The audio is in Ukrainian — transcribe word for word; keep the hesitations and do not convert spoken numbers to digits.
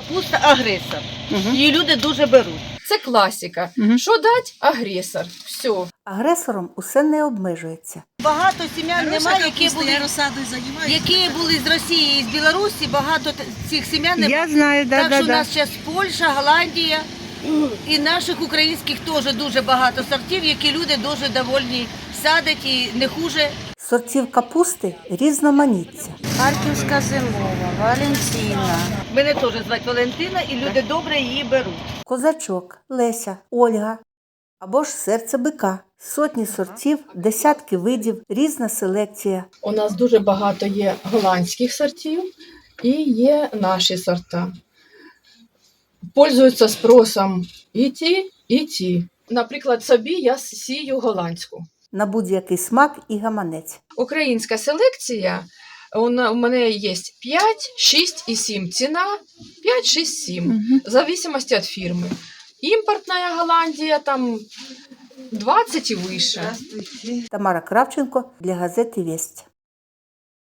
Капуста агресор. Угу. Її люди дуже беруть. Це класика. Мгм. Що дать? Агресор. Все. Агресором усе не обмежується. Багато сім'ян немає, які капуста, були, я розсадою займаюся. які були з Росії і з Білорусі. Багато т- цих сім'ян немає. знаю, Так що у нас зараз Польща, Голландія і наших українських теж дуже багато сортів, які люди дуже довольні садять і не хуже. Сортів капусти різноманіття. Харківська зимова, Валентина. Мене теж звати Валентина, і люди добре її беруть. Козачок, Леся, Ольга або ж серце бика. Сотні сортів, десятки видів, різна селекція. У нас дуже багато є голландських сортів і є наші сорта. Пользуються спросом і ті, і ті. Наприклад, собі я сію голландську. На будь-який смак і гаманець. Українська селекція, у на- у мене є п'ять, шість і сім. Ціна п'ять, шість, сім. В зависимости від фірми. Імпортна Голландія там двадцять і вище. Тамара Кравченко для газети «Весть».